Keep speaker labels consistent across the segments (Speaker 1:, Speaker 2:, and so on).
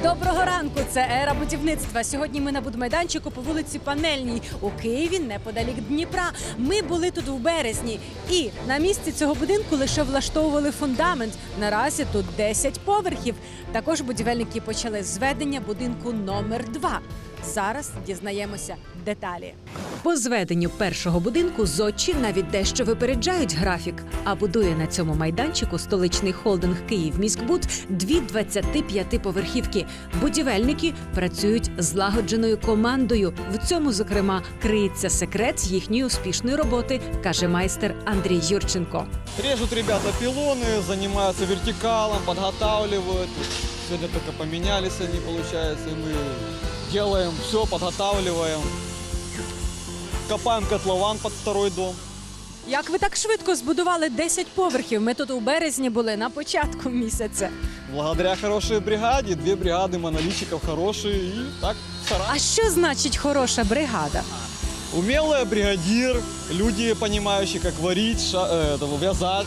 Speaker 1: Доброго ранку! Це ера будівництва. Сьогодні ми на будмайданчику по вулиці Панельній у Києві, неподалік Дніпра. Ми були тут у березні. І на місці цього будинку лише влаштовували фундамент. Наразі тут 10 поверхів. Також будівельники почали зведення будинку номер 2. Зараз дізнаємося деталі. По зведенню першого будинку зодчі навіть дещо випереджають графік. А будує на цьому майданчику столичний холдинг «Київміськбуд» 2 25-поверхівки. Будівельники працюють злагодженою командою. В цьому, зокрема, криється секрет їхньої успішної роботи, каже майстер Андрій Юрченко.
Speaker 2: Режут ребята пилоны, занимаются вертикалом, подготавливают. Сегодня только поменялись они, получается, и мы делаем все, подготавливаем. Копаем котлован под второй дом.
Speaker 1: Як ви так швидко збудували 10 поверхів? Ми тут у березні були на початку місяця.
Speaker 2: Благодаря хорошей бригаде, 2 бригады монолитчиков хорошие и так стараемся.
Speaker 1: А що значить хороша бригада?
Speaker 2: Умелый бригадир, люди, понимающие, как варить, вязать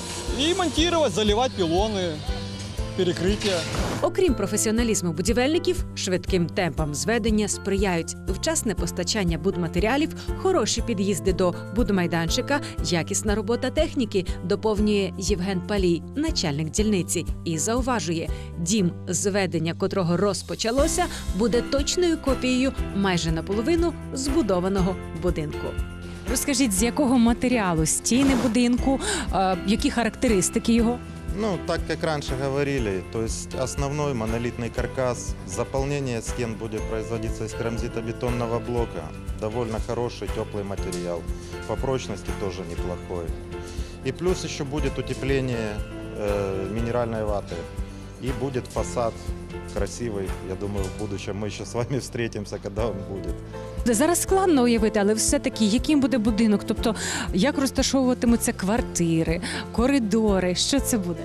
Speaker 2: и монтировать, заливать пилоны, перекрытия.
Speaker 1: Окрім професіоналізму будівельників, швидким темпам зведення сприяють вчасне постачання будматеріалів, хороші під'їзди до будмайданчика, якісна робота техніки, доповнює Євген Палій, начальник дільниці, і зауважує, дім, зведення котрого розпочалося, буде точною копією майже наполовину збудованого будинку. Розкажіть, з якого матеріалу стіни будинку, які характеристики його?
Speaker 3: Ну, так как раньше говорили, то есть основной монолитный каркас, заполнение стен будет производиться из керамзитобетонного блока. Довольно хороший, теплый материал. По прочности тоже неплохой. И плюс еще будет утепление минеральной ваты. И будет фасад красивый. Я думаю, в будущем мы еще с вами встретимся, когда он будет.
Speaker 1: Зараз складно уявити, але все-таки яким буде будинок? Тобто, як розташовуватимуться квартири, коридори, що це буде?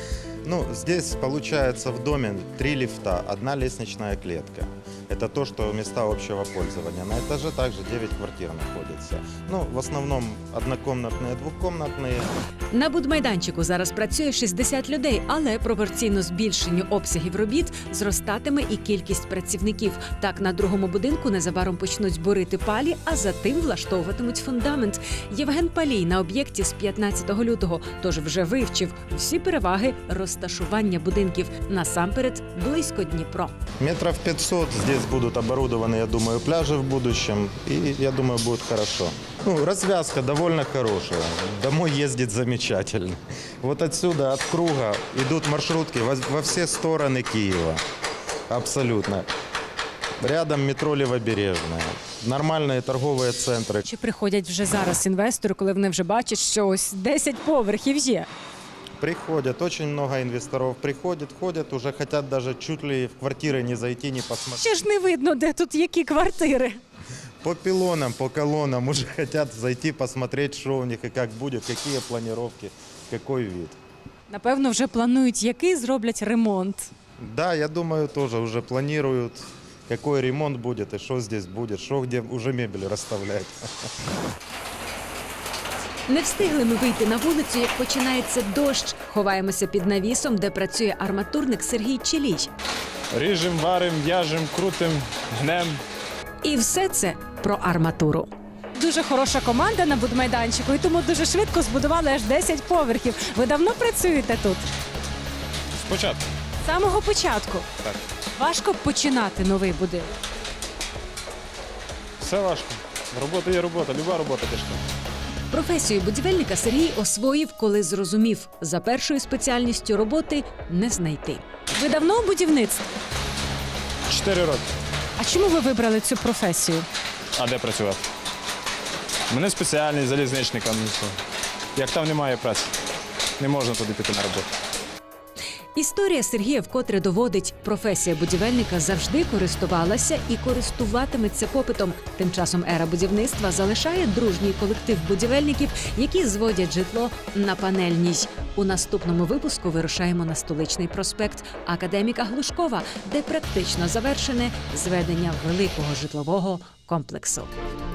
Speaker 3: Ну, здесь получается в доме 3 лифта, 1 лестничная клетка. Это то, что места общего пользования. На этаже также 9 квартир находится. Ну, в основном однокомнатные, двухкомнатные.
Speaker 1: На будмайданчику зараз працює 60 людей, але пропорційно збільшенню обсягів робіт зростатиме і кількість працівників. Так, на другому будинку незабаром почнуть борити палі, а за тим влаштовуватимуть фундамент. Євген Палій на об'єкті з 15 лютого, тож вже вивчив всі переваги розташування будинків. Насамперед, близько Дніпро.
Speaker 3: Метров 500 здесь будут оборудованы, я думаю, пляжи в будущем. И я думаю, будет хорошо. Ну, развязка довольно хорошая. Домой ездить замечательно. Вот отсюда, от круга, идут маршрутки во все стороны Киева. Абсолютно. Рядом метро Левобережная. Нормальные торговые центры.
Speaker 1: Чи приходять вже зараз інвестори, коли вони вже бачать, що ось 10 поверхів є?
Speaker 3: Приходят, очень много инвесторов приходят, ходят, уже хотят даже чуть ли в квартиры не зайти, не посмотреть.
Speaker 1: Ще ж не видно, де тут які квартири.
Speaker 3: По пилонам, по колоннам уже хотят зайти, посмотреть, что у них и как будет, какие планировки, какой вид.
Speaker 1: Напевно, вже планують, який зроблять ремонт.
Speaker 3: Да, я думаю, тоже уже планируют, какой ремонт будет и что здесь будет, что где уже мебель расставлять.
Speaker 1: Не встигли ми вийти на вулицю, як починається дощ. Ховаємося під навісом, де працює арматурник Сергій Челій.
Speaker 4: Ріжем, варим, в'яжем, крутим, гнем.
Speaker 1: І все це про арматуру. Дуже хороша команда на будмайданчику, і тому дуже швидко збудували аж 10 поверхів. Ви давно працюєте тут?
Speaker 4: Спочатку.
Speaker 1: З самого початку?
Speaker 4: Так.
Speaker 1: Важко починати новий будинок?
Speaker 4: Все важко. Робота є робота, люба робота тяжка.
Speaker 1: Професію будівельника Сергій освоїв, коли зрозумів, за першою спеціальністю роботи не знайти. Ви давно у будівництві?
Speaker 4: 4 роки.
Speaker 1: А чому ви вибрали цю професію?
Speaker 4: А де працювати? Мене спеціальний залізничником. Як там немає праці, не можна туди піти на роботу.
Speaker 1: Історія Сергія вкотре доводить, професія будівельника завжди користувалася і користуватиметься попитом. Тим часом ера будівництва залишає дружній колектив будівельників, які зводять житло на Панельній. У наступному випуску вирушаємо на Столичний проспект Академіка Глушкова, де практично завершене зведення великого житлового комплексу.